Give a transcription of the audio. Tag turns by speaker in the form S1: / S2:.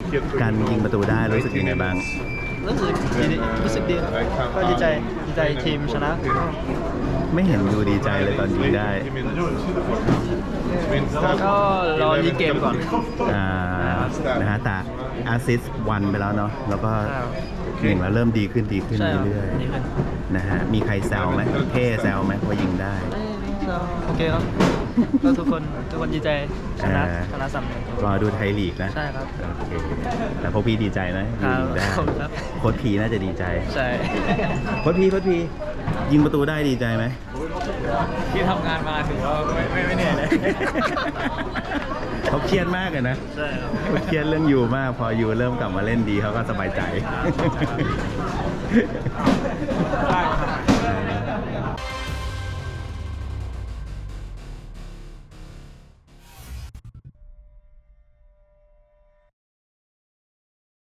S1: การยิงประตูได้รู้สึกยังไงบ้าง
S2: รู้สึกดีก็ดีใจทีมชนะ
S1: ไม่เห็นดูดีใจเลยตอนยิงได้
S2: ก็รอรีเกมก่อน
S1: นะฮะแต่อาซิสวันไปแล้วเนาะแล้วก็เก่งแล้วเริ่มดีขึ้นเรื่อยๆนะฮะมีใครแซวไหมเท่แซวไหมว่ายิงได้
S2: โอเคครับก็ทุกคนดีใจชนะสำเร็จ
S1: รอดูไทยลีกนะ
S2: ใช่ครับ
S1: โอเคแต่พวกพี่ดีใจนะยิงได้
S2: ครับ
S1: โค้ชพีน่าจะดีใจ
S2: ใช่
S1: โค้ชพียิงประตูได้ดีใจไหม
S2: ที่ทำงานมาถือว่าไม่เหนื่อยเลย
S1: เขาเครียดมากเลยนะ
S2: ใช่ครับ
S1: เขาเครียดเรื่องยูมากพอยูเริ่มกลับมาเล่นดีเขาก็สบายใจ
S2: ได้ครับ